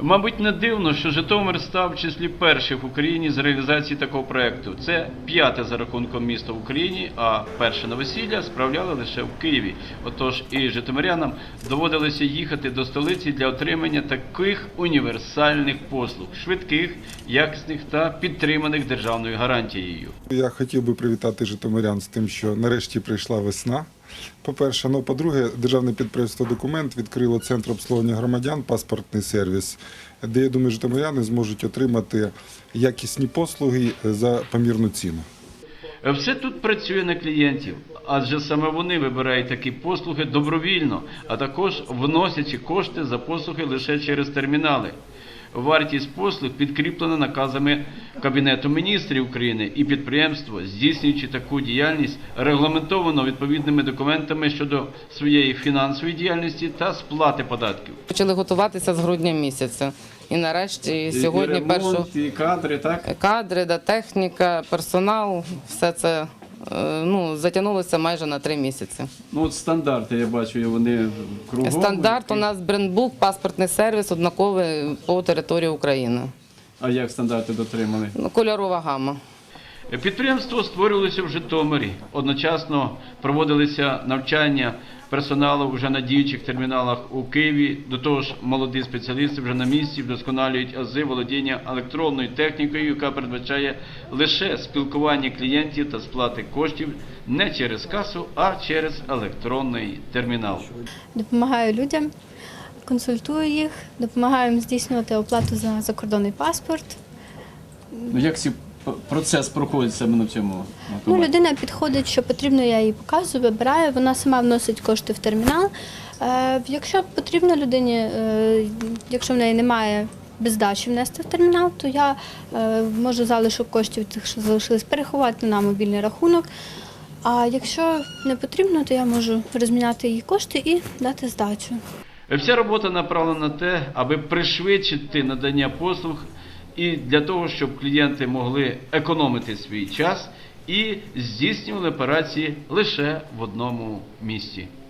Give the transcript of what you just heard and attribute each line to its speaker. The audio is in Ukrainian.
Speaker 1: Мабуть, не дивно, що Житомир став в числі перших в Україні з реалізації такого проєкту. Це п'яте за рахунком місто в Україні, а перше новосілля справляли лише в Києві. Отож і житомирянам доводилося їхати до столиці для отримання таких універсальних послуг – швидких, якісних та підтриманих державною гарантією.
Speaker 2: Я хотів би привітати житомирян з тим, що нарешті прийшла весна. По-перше, по-друге, державне підприємство «Документ» відкрило центр обслуговування громадян, паспортний сервіс, де, я думаю, житомиряни зможуть отримати якісні послуги за помірну ціну.
Speaker 1: Все тут працює на клієнтів, адже саме вони вибирають такі послуги добровільно, а також вносячи кошти за послуги лише через термінали. Вартість послуг підкріплена наказами Кабінету міністрів України, і підприємство, здійснюючи таку діяльність, регламентовано відповідними документами щодо своєї фінансової діяльності та сплати податків.
Speaker 3: Почали готуватися з грудня місяця. І нарешті сьогодні
Speaker 1: і кадри, так?
Speaker 3: Кадри, техніка, персонал, все це затягнулося майже на 3 місяці.
Speaker 1: Ну от стандарти, я бачу, вони кругом.
Speaker 3: Стандарт у нас брендбук, паспортний сервіс однаковий по території України.
Speaker 1: А як стандарти дотримали?
Speaker 3: Кольорова гама.
Speaker 1: Підприємство створювалося в Житомирі. Одночасно проводилися навчання персоналу вже на діючих терміналах у Києві. До того ж, молоді спеціалісти вже на місці вдосконалюють ази володіння електронною технікою, яка передбачає лише спілкування клієнтів та сплати коштів не через касу, а через електронний термінал.
Speaker 4: Допомагаю людям, консультую їх, допомагаю їм здійснювати оплату за закордонний паспорт.
Speaker 1: Як цей процес проходить саме на цьому?
Speaker 4: Людина підходить, що потрібно, я їй показую, вибираю, вона сама вносить кошти в термінал. Якщо потрібно людині, якщо в неї немає без здачі внести в термінал, то я можу залишок коштів, тих, що залишились, переховати на мобільний рахунок. А якщо не потрібно, то я можу розміняти її кошти і дати здачу.
Speaker 1: Вся робота направлена на те, аби пришвидшити надання послуг і для того, щоб клієнти могли економити свій час і здійснювали операції лише в одному місці.